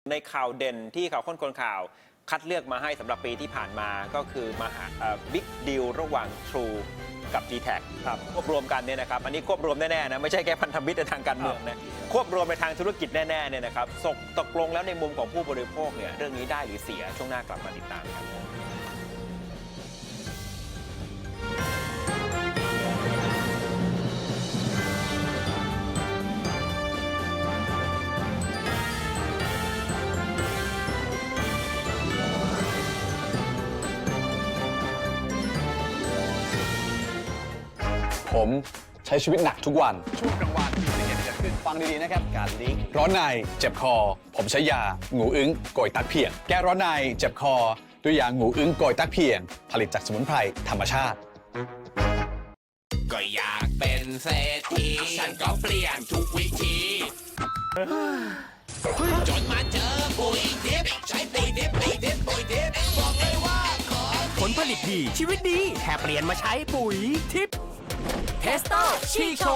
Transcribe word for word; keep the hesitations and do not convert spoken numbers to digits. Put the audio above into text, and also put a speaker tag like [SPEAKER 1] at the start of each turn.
[SPEAKER 1] ในข่าวเด่นที่ข่าวค้นคนข่าวคัดเลือกมาให้สำหรับปีที่ผ่านมาก็คือมาหาบิ๊กดีลระหว่าง True กับ ดี แท็ก ครับควบรวมกันเนี่ยนะครับอันนี้ควบรวมแน่ๆนะไม่ใช่แค่พันธมิตรในทางการเมืองนะควบรวมในทางธุรกิจแน่ๆเนี่ยนะครับตกลงแล้วในมุมของผู้บริโภคเนี่ยเรื่องนี้ได้หรือเสียช่วงหน้ากลับมาติดตามครับ
[SPEAKER 2] ผมใช้ชีวิตหนักทุกวัน
[SPEAKER 3] ช่วงกลางวันมีอุบัติเหตุเกิดขึ้นฟังดีๆนะครับการลิงก์
[SPEAKER 2] ร้อนในเจ็บคอผมใช้ยางูอึ้งโกยตักเพียงแก้ร้อนในเจ็บคอด้วยยางูอึ้งโกยตักเพียงผลิตจากสมุนไพรธรรมชาติ
[SPEAKER 4] ก็อยากเป็นเศรษฐีฉันก็เปลี่ยนทุกวิธีจนมาเจอปุ๋ยดิบใช้ปุ๋ยดิบปุ๋ยดิบปุ๋ยดิบบอกเลยว่าขอผลผลิตดีชีวิตดีแค่เปลี่ยนมาใช้ปุ๋ยทิปเทสโต้ชีโช